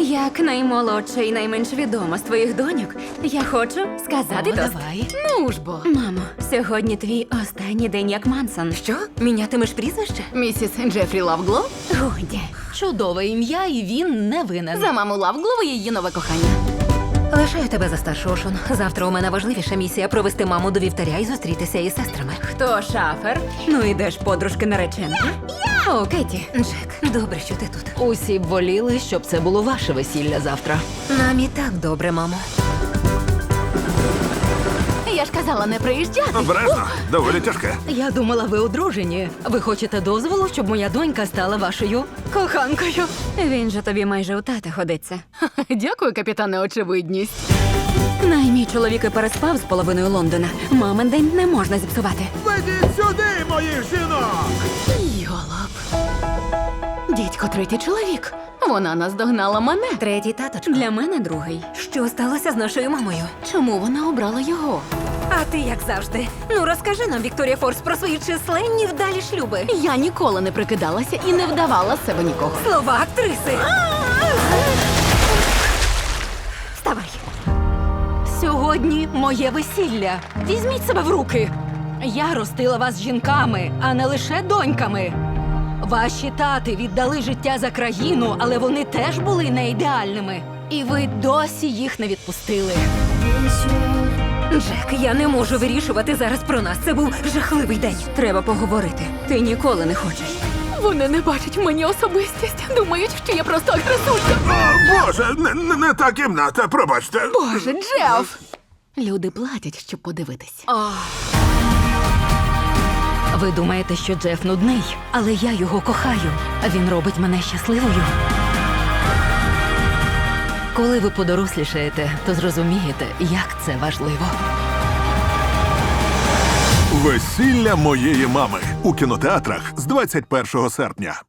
Як наймолодша і найменш відома з твоїх доньок, я хочу сказати тост. Давай. Ну ж бо. Мамо, сьогодні твій останній день як Мансон. Що? Мінятимеш прізвище? Місіс Джефрі Лавглов? Годі. Чудове ім'я, і він не винен. За маму Лавглова і її нове кохання. Лишаю тебе за старшого, Шон. Завтра у мене важливіша місія провести маму до вівтаря і зустрітися із сестрами. Хто шафер? Ну ідеш, подружки нареченки. О, Кеті. Джек, добре, що ти тут. Усі б воліли, щоб це було ваше весілля завтра. Нам і так добре, мамо. Я ж казала не приїжджати. Обережно, доволі тяжке. Я думала, ви одружені. Ви хочете дозволу, щоб моя донька стала вашою коханкою? Він же тобі майже у тата ходиться. Дякую, капітане, очевидність. Мій чоловік і переспав з половиною Лондона. Мамин день не можна зіпсувати. Ведіть сюди, моїх жінок! Йолоп. Дідько, третій чоловік. Вона наздогнала мене. Третій таточко. Для мене другий. Що сталося з нашою мамою? Чому вона обрала його? А ти як завжди. Ну розкажи нам, Вікторія Форс, про свої численні вдалі шлюби. Я ніколи не прикидалася і не вдавала з себе нікого. Слова актриси. Вставай. Сьогодні моє весілля. Візьміть себе в руки. Я ростила вас жінками, а не лише доньками. Ваші тати віддали життя за країну, але вони теж були не ідеальними. І ви досі їх не відпустили. Джек, я не можу вирішувати зараз про нас. Це був жахливий день. Треба поговорити. Ти ніколи не хочеш. Вони не бачать в мені особистість. Думають, що я просто агресулька. О, Боже, не та кімната, пробачте. Боже, Джеф! Люди платять, щоб подивитись. Ви думаєте, що Джеф нудний, але я його кохаю. Він робить мене щасливою. Коли ви подорослішаєте, то зрозумієте, як це важливо. Весілля моєї мами у кінотеатрах з 21 серпня.